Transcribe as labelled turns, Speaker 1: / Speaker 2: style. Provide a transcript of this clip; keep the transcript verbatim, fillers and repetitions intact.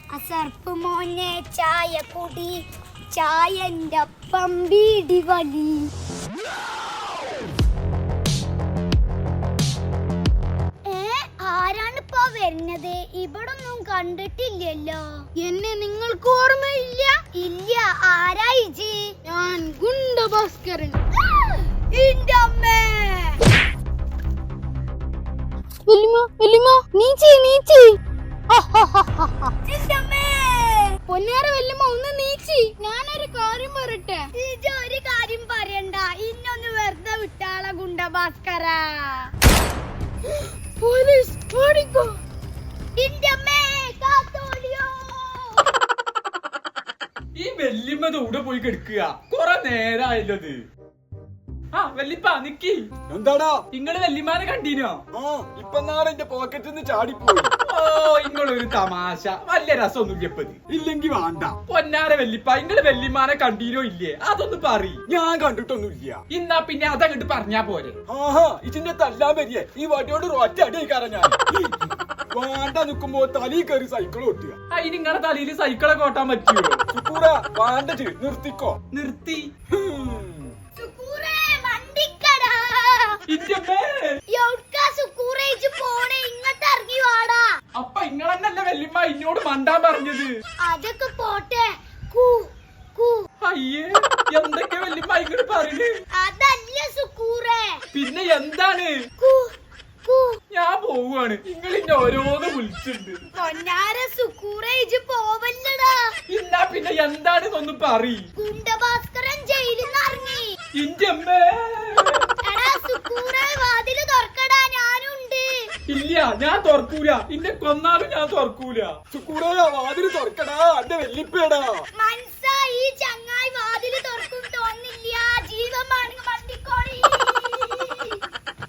Speaker 1: അസർപ്പ് മോനെ ചായ കുടി, ചായന്റെ പമ്പീടി വലി. ആരാണിപ്പോ വരുന്നത്? ഇവിടൊന്നും കണ്ടിട്ടില്ലല്ലോ.
Speaker 2: എന്നെ നിങ്ങൾക്ക് ഓർമ്മയില്ല?
Speaker 1: ഇല്ല. ആരായിജി?
Speaker 2: ഞാൻ ഗുണ്ട ഭാസ്കരൻ.
Speaker 1: ഇന്റെ അമ്മേ.
Speaker 2: വല്യമ്മ വല്യമ്മ നീച്ചി നീച്ചി.
Speaker 1: ഇന്റെ അമ്മേ.
Speaker 2: പൊന്നാര വല്യമ്മ ഒന്ന് നീച്ചി. ഞാനൊരു കാര്യം പറയട്ടെ.
Speaker 1: ഇജ് ഒരു കാര്യം പറയണ്ട. ഇന്നൊന്ന് വെറുതെ വിട്ടാള ഗുണ്ട ഭാസ്കര.
Speaker 2: പോലീസ് ഓടിക്കോ.
Speaker 1: ഇന്റെ അമ്മേ കാത്തോളിയോ.
Speaker 3: ഈ വല്യമ്മ ഇവിടെ പോയി കിടക്കുക കൊറേ നേരായല്ലത്. ആ വല്യപ്പ നിക്കി.
Speaker 4: എന്താടാ
Speaker 3: ഇങ്ങള് വല്യമാനെ കണ്ടീനോ?
Speaker 4: ആ ഇപ്പൊ നാളെ എന്റെ പോക്കറ്റിൽ നിന്ന് ചാടിപ്പോയി.
Speaker 3: ഓ ഇങ്ങളൊരു തമാശ. വല്യ രസമൊന്നും ഇല്ലപ്പത്.
Speaker 4: ഇല്ലെങ്കി വേണ്ട.
Speaker 3: പൊന്നാര വല്യപ്പ ഇങ്ങള് വല്യമാനെ കണ്ടീനോ ഇല്ലേ അതൊന്ന് പറ.
Speaker 4: ഞാൻ കണ്ടിട്ടൊന്നുമില്ല.
Speaker 3: ഇന്നാ പിന്നെ അതങ്ങട്ട് പറഞ്ഞാ പോരെ.
Speaker 4: ആഹാ ഇതിന്റെ തല്ലാൻ വരിയേ ഈ വടിയോട് ഒറ്റ അടി കാരണം ഞാൻ വേണ്ട നിക്കുമ്പോ തലയിൽ കയറി സൈക്കിൾ ഓട്ടുക.
Speaker 3: അതിന് നിങ്ങളെ തലയിൽ സൈക്കിളൊക്കെ ഓട്ടാൻ പറ്റുമോ?
Speaker 4: സുക്കൂറ വേണ്ടത് നിർത്തിക്കോ.
Speaker 3: നിർത്തി.
Speaker 1: സുക്കൂറേ വണ്ടിക്കടാ. എവിടുക്കാ സുക്കൂറേ ഇജ് പോണേ? ഇങ്ങോട്ട് ഇറങ്ങി വാടാ.
Speaker 3: അപ്പൊ ഇങ്ങളെന്നല്ല വല്യമ്മ ഇന്നോട് മണ്ടാൻ പറഞ്ഞത്.
Speaker 1: അതൊക്കെ പോട്ടെ. കൂ കൂ.
Speaker 3: അയ്യേ എന്തൊക്കെ വല്യമ്മ ഇങ്ങോട്ട് പറയുന്നത്?
Speaker 1: അതല്ല സുക്കൂറേ.
Speaker 3: പിന്നെ എന്താണ്?
Speaker 1: കൂ കൂ.
Speaker 3: ഞാൻ പോവാണ്. നിങ്ങൾ ഇന്നെ ഓരോന്ന് വിളിച്ചിട്ടുണ്ട്.
Speaker 1: പൊന്നാര സുക്കൂറേ ഇജ് പോവല്ലടാ.
Speaker 3: ഇന്നാ പിന്നെ എന്താണെന്നൊന്ന് പറ.
Speaker 1: ഗുണ്ടഭാസ്കരൻ ജയിലിൽ നിന്ന് ഇറങ്ങി.
Speaker 3: ഇന്റെ അമ്മേ.
Speaker 1: എടാ സുക്കൂറേ വാതില് തുറക്കടാ, ഞാനുണ്ട്.
Speaker 3: ഇല്ല ഞാൻ തുറക്കൂല. ഇന്നെ കൊന്നാലും ഞാൻ തുറക്കൂല.
Speaker 4: സുക്കൂറ വാതില് തുറക്കടാ എന്റെ വെല്ലിപ്പേടാ.